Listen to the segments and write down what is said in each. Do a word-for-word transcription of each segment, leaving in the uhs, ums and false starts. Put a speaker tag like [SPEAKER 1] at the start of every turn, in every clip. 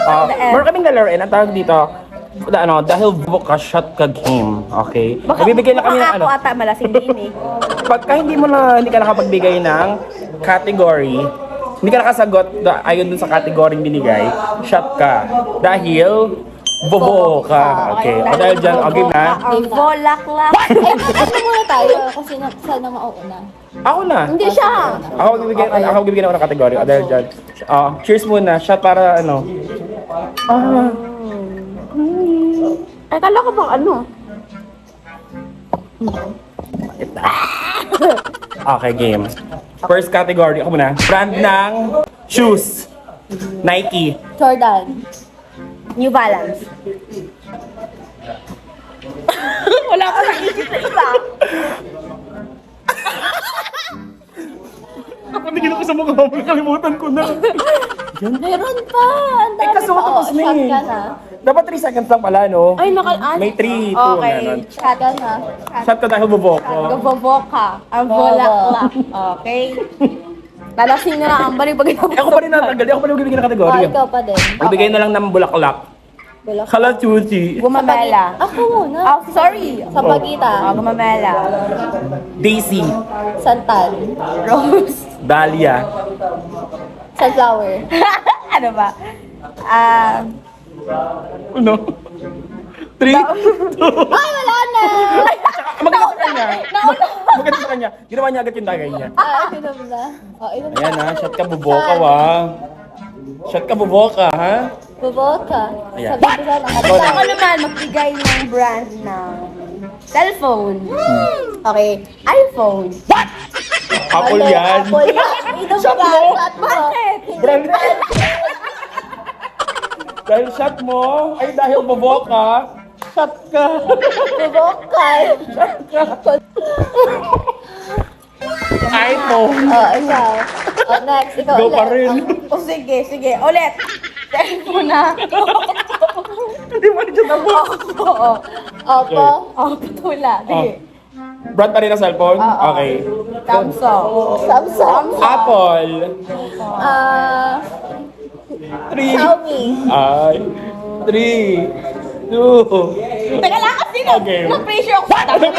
[SPEAKER 1] Uh,
[SPEAKER 2] The F.
[SPEAKER 1] meron kaming lalaroin. Ang tawag dito, da, ano, dahil book ka shot ka game. Okay?
[SPEAKER 2] Baka,
[SPEAKER 1] Bibigyan na kami ng
[SPEAKER 2] baka
[SPEAKER 1] ano.
[SPEAKER 2] ako ata malasing din eh.
[SPEAKER 1] Pagka hindi mo na, hindi ka nakapagbigay ng category, hindi ka nakasagot da, ayon dun sa category binigay, shot ka. Dahil bobo ka. Okay. O dahil dyan, okay na.
[SPEAKER 2] Ang volaklak.
[SPEAKER 3] Eh, ano muna tayo? Kasi na, sana mauuna.
[SPEAKER 1] Ako na.
[SPEAKER 2] Hindi siya.
[SPEAKER 1] Ako bibigyan, ako bibigyan ako ng category. O dahil dyan. Uh, cheers muna. Shot para ano. Ah.
[SPEAKER 2] Ay, kala ko bang ano?
[SPEAKER 1] Okay, game. First category. Ako muna. Brand ng shoes. Nike.
[SPEAKER 3] Jordan.
[SPEAKER 2] New Balance. Wala ko naisip na iba.
[SPEAKER 1] Kapag hindi ko sa mukha mo, nakalimutan ko na.
[SPEAKER 3] Meron pa! Ang
[SPEAKER 1] Ay,
[SPEAKER 3] dami
[SPEAKER 1] kaso
[SPEAKER 3] pa.
[SPEAKER 1] tapos
[SPEAKER 3] Oh,
[SPEAKER 1] na
[SPEAKER 3] shot
[SPEAKER 1] eh.
[SPEAKER 3] ka na.
[SPEAKER 1] Dapat three seconds lang pala, no?
[SPEAKER 2] Ay, nakal...
[SPEAKER 1] May three, two,
[SPEAKER 2] Okay.
[SPEAKER 1] ganun.
[SPEAKER 3] Shot ka na.
[SPEAKER 1] Shot ka dahil buboko.
[SPEAKER 2] Gaboboka. Ang volaklak. Okay. Lalasing na lang ang balik pag
[SPEAKER 1] Eh, ako pa rin natanggal. Ako pa rin magbibigay ng
[SPEAKER 3] Oh,
[SPEAKER 1] kategory.
[SPEAKER 3] ikaw pa din.
[SPEAKER 1] Magbigay na lang ng bulaklak.
[SPEAKER 3] Bulak.
[SPEAKER 1] Kalachuchi.
[SPEAKER 2] Gumamela.
[SPEAKER 3] Ako muna.
[SPEAKER 2] Oh, sorry.
[SPEAKER 3] Sa Pagita.
[SPEAKER 2] Oh, gumamela.
[SPEAKER 1] Daisy.
[SPEAKER 3] Santan.
[SPEAKER 2] Rose.
[SPEAKER 1] Dahlia.
[SPEAKER 3] Sunflower.
[SPEAKER 2] Ano ba? Ah...
[SPEAKER 1] Ano? Three, two.
[SPEAKER 3] Ay, wala na!
[SPEAKER 1] Maganda sa kanya. Maganda sa kanya. Ginawa niya agad yung tagay niya.
[SPEAKER 3] Ah, inom na. Oh, inom na.
[SPEAKER 1] Ayan ha, shot ka buboka wa. Shot ka buboka ha.
[SPEAKER 3] Buboka.
[SPEAKER 1] Ayan.
[SPEAKER 3] Sabi ko sana.
[SPEAKER 1] Ikaw na.
[SPEAKER 2] Ako naman, magbigay ng brand ng cellphone. Okay, iPhone.
[SPEAKER 1] Apple
[SPEAKER 3] Mali,
[SPEAKER 1] yan.
[SPEAKER 3] Apple yan. Inom
[SPEAKER 1] Shot
[SPEAKER 3] ka.
[SPEAKER 1] mo.
[SPEAKER 3] Shot mo.
[SPEAKER 2] Bakit?
[SPEAKER 1] Brand. Dahil shot mo, ay dahil buboka, shot ka.
[SPEAKER 3] Buboka.
[SPEAKER 1] iPhone.
[SPEAKER 3] Oh, ikaw. Oh, next. Ikaw
[SPEAKER 1] Go
[SPEAKER 3] ulit.
[SPEAKER 1] pa rin.
[SPEAKER 2] O sige, sige. Ulit. Cellphone na.
[SPEAKER 1] Hindi mo rin siya tabo.
[SPEAKER 2] Oo.
[SPEAKER 3] Opo.
[SPEAKER 2] Oh, patula. Sige.
[SPEAKER 1] Brand pa rin ang cellphone?
[SPEAKER 2] Oo.
[SPEAKER 1] Okay.
[SPEAKER 2] Samsung.
[SPEAKER 3] Samsung.
[SPEAKER 1] Apple.
[SPEAKER 3] Ah,
[SPEAKER 1] Three.
[SPEAKER 3] Xiaomi.
[SPEAKER 1] Ay. Three. Two.
[SPEAKER 2] Teka lang kasi na.
[SPEAKER 1] Okay.
[SPEAKER 2] Na-pressure ako sa tabi.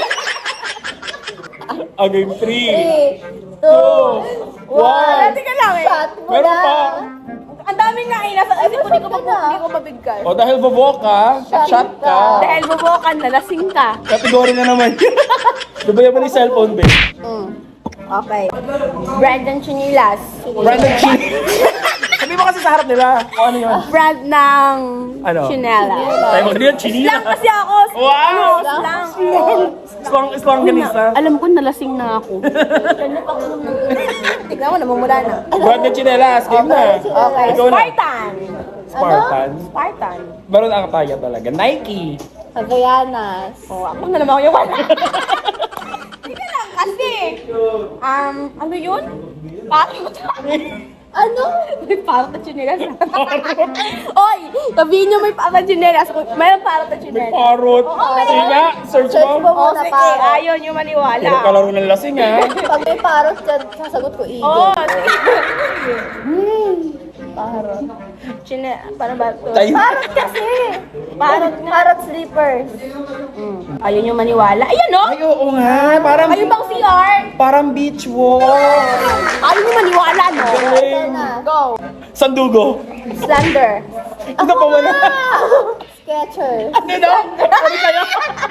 [SPEAKER 1] Okay, three.
[SPEAKER 3] Three, two,
[SPEAKER 1] One.
[SPEAKER 3] one.
[SPEAKER 2] Teka lang eh.
[SPEAKER 3] Shot mo
[SPEAKER 1] Meron
[SPEAKER 3] na.
[SPEAKER 1] pa.
[SPEAKER 2] Ang dami nga eh. Nasa isip ko, hindi ko,
[SPEAKER 3] Shot ka
[SPEAKER 2] mab-
[SPEAKER 3] na.
[SPEAKER 2] hindi ko mabigkas.
[SPEAKER 1] O dahil buboka,
[SPEAKER 3] Shot
[SPEAKER 1] shot
[SPEAKER 3] ka.
[SPEAKER 1] ka.
[SPEAKER 2] Dahil bubukan, nalasing ka.
[SPEAKER 1] Kategory na naman. Diba mo ni cellphone, babe?
[SPEAKER 2] Mm. Okay. Brandon Chinilas.
[SPEAKER 1] Brand ng chin. Sabi mo kasi sa harap nila. O ano yun?
[SPEAKER 2] Brand ng
[SPEAKER 1] Ano?
[SPEAKER 2] Chinela.
[SPEAKER 1] Tayo mo ganyan, chinila.
[SPEAKER 2] Lang kasi ako.
[SPEAKER 1] Wow!
[SPEAKER 2] Ano, lang.
[SPEAKER 1] Strong, strong ganisa.
[SPEAKER 2] Alam ko, nalasing na ako. Tignan mo, namumula na.
[SPEAKER 1] Brand ng chinelas. Game na.
[SPEAKER 2] Okay.
[SPEAKER 1] Ikaw na.
[SPEAKER 2] Spartan.
[SPEAKER 1] Spartan.
[SPEAKER 2] Spartan.
[SPEAKER 1] Meron ang kaya talaga. Nike.
[SPEAKER 3] Havaianas.
[SPEAKER 2] Oh, ako na naman yung wala. Hindi lang kasi. Um, ano yun? Parang
[SPEAKER 3] Ano?
[SPEAKER 2] may parang na chinelas. Oy, sabihin nyo may parang na chinelas. Mayroon parang na chinelas.
[SPEAKER 1] Parrot. Sige nga, search
[SPEAKER 3] Search
[SPEAKER 1] mo.
[SPEAKER 3] mo
[SPEAKER 2] Oh,
[SPEAKER 3] muna
[SPEAKER 2] sige,
[SPEAKER 3] parot.
[SPEAKER 2] ayaw nyo maniwala.
[SPEAKER 1] Hirap ka laro ng lasing ha.
[SPEAKER 3] Pag may parot dyan, sasagot ko eagle.
[SPEAKER 2] Oo, oh, sige.
[SPEAKER 3] Parot.
[SPEAKER 2] Chine, paano ba ito?
[SPEAKER 1] Tayo.
[SPEAKER 2] Parang kasi. Parang nga.
[SPEAKER 3] Parot slippers.
[SPEAKER 2] Ayaw nyo maniwala. Ayan o!
[SPEAKER 1] Ay, oo nga. Parang,
[SPEAKER 2] Ayun bang C R?
[SPEAKER 1] parang beach walk.
[SPEAKER 2] Ayaw nyo maniwala, no?
[SPEAKER 3] Ito na.
[SPEAKER 2] Go!
[SPEAKER 1] Sandugo.
[SPEAKER 2] Slender.
[SPEAKER 1] Ito pa wala.
[SPEAKER 3] Skechers.
[SPEAKER 1] Ano daw? Ano kayo?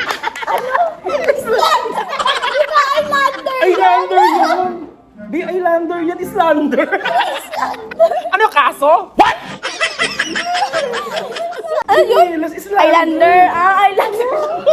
[SPEAKER 3] Islander!
[SPEAKER 1] Islander yan. Di Islander yan, Islander. Ano kaso? What?
[SPEAKER 2] Ano yun?
[SPEAKER 1] Yes, Islander.
[SPEAKER 2] Islander. Ah, Islander.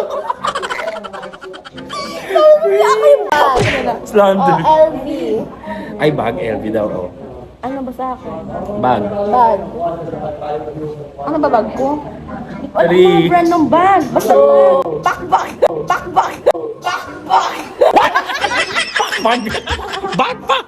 [SPEAKER 3] Ako yung bag.
[SPEAKER 1] Islander.
[SPEAKER 3] Oh, L V.
[SPEAKER 1] Ay, bag. L V daw. Oh.
[SPEAKER 2] Ano ba sa akin?
[SPEAKER 1] Bag.
[SPEAKER 3] Bag.
[SPEAKER 2] Ano ba bag ko? Wala
[SPEAKER 1] Three.
[SPEAKER 2] mga brand ng bag. Basta bag. Backpack. Backpack. Backpack.
[SPEAKER 1] Bag. Backpack.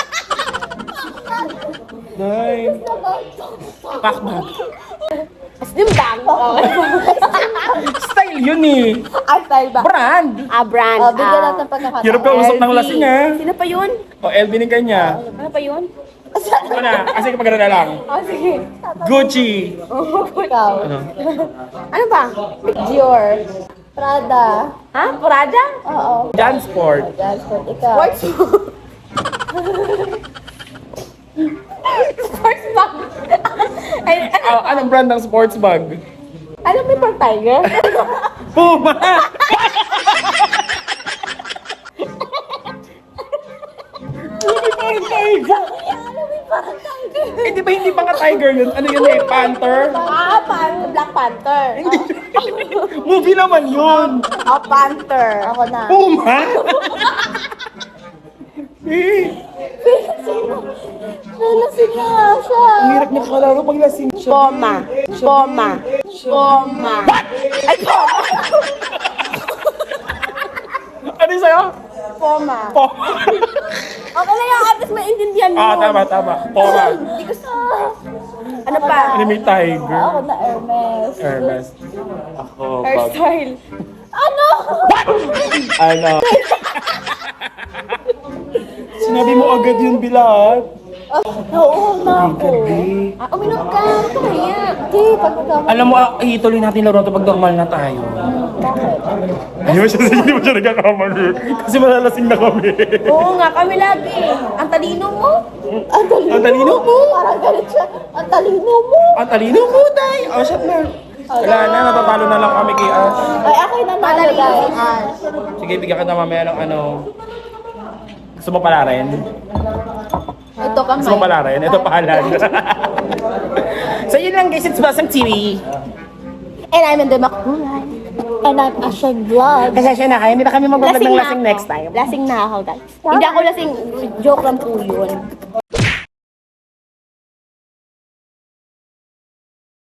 [SPEAKER 1] Nice. Backpack.
[SPEAKER 2] Slim bag. Okay.
[SPEAKER 1] Style yun eh.
[SPEAKER 2] Ah, style ba?
[SPEAKER 1] Brand.
[SPEAKER 2] Ah, brand.
[SPEAKER 3] Oh, bigyan
[SPEAKER 2] Ah.
[SPEAKER 3] natin pagkakataon.
[SPEAKER 1] Hirap ka usap ng
[SPEAKER 2] L V.
[SPEAKER 1] lasing ha.
[SPEAKER 2] Sino pa yun?
[SPEAKER 1] O, L V ni kanya.
[SPEAKER 2] Ano pa yun?
[SPEAKER 1] Ito na, kasi kapag na lang.
[SPEAKER 2] Oh, sige.
[SPEAKER 1] Gucci.
[SPEAKER 3] Ikaw.
[SPEAKER 1] Ano?
[SPEAKER 2] Ano ba?
[SPEAKER 3] Dior. Prada.
[SPEAKER 2] Ha? Prada?
[SPEAKER 3] Oo.
[SPEAKER 1] Jansport.
[SPEAKER 3] Jansport. Ikaw.
[SPEAKER 2] Sports Sports bag. Ay, ano?
[SPEAKER 1] Ah, anong brand ng sports bag?
[SPEAKER 2] Alam mo yung Tiger?
[SPEAKER 1] Puma! Hindi pa rin tiger. Eh, di ba hindi pa nga tiger yun? Ano yun eh? Panther?
[SPEAKER 2] Ah, pan Black Panther.
[SPEAKER 1] Movie naman yun!
[SPEAKER 2] Oh, Panther.
[SPEAKER 3] Ako na.
[SPEAKER 1] Puma? Eh,
[SPEAKER 3] Nalasing na nga siya.
[SPEAKER 1] ang hirap niya kalaro pag lasing siya.
[SPEAKER 2] Poma. Poma. Poma. Ay, Poma.
[SPEAKER 1] Ano yung sa'yo?
[SPEAKER 2] Poma.
[SPEAKER 1] Poma.
[SPEAKER 2] Okay na yan, at least maintindihan mo.
[SPEAKER 1] Ah, tama, tama. Poma.
[SPEAKER 2] Hindi ko sa... Ano pa?
[SPEAKER 1] Ano may tiger?
[SPEAKER 3] Ako na Hermes.
[SPEAKER 1] Hermes. Ako, pag...
[SPEAKER 2] Hairstyle.
[SPEAKER 3] Ano?
[SPEAKER 1] Ano? Sinabi mo agad yun, Bilat.
[SPEAKER 3] Nauuhaw na ako.
[SPEAKER 2] Ah, uminom ka. Ito kaya.
[SPEAKER 3] Hindi, pag magkama.
[SPEAKER 1] Alam mo, ah, ituloy natin laro ito pag normal na tayo.
[SPEAKER 3] Bakit?
[SPEAKER 1] Hindi mo siya, hindi mo siya nagkakamali. Kasi malalasing na kami.
[SPEAKER 2] Oo nga, kami lagi. Ang talino mo.
[SPEAKER 3] Ang talino,
[SPEAKER 1] Ang talino mo.
[SPEAKER 3] Parang galit siya. Ang talino mo.
[SPEAKER 1] Ang talino mo, tay. Oh, shot na. Wala na, natatalo na lang kami kay Ash.
[SPEAKER 3] Ay, ako yung nanalo,
[SPEAKER 2] Talino
[SPEAKER 3] guys.
[SPEAKER 2] si Ash.
[SPEAKER 1] Sige, bigyan ka na mamaya ng ano. Gusto mo pala rin?
[SPEAKER 2] Ito kamay.
[SPEAKER 1] Gusto mo pala rin? Ito pahalan. So yun lang guys, it's Basang T V.
[SPEAKER 2] And I'm in the Makulay.
[SPEAKER 3] And I'm Asha Vlog.
[SPEAKER 1] Kasi siya na kayo, hindi na kami mag-vlog ng
[SPEAKER 2] na
[SPEAKER 1] lasing
[SPEAKER 2] ako.
[SPEAKER 1] next time.
[SPEAKER 2] Lasing na ako, guys. Hindi ako lasing. Joke lang po yun.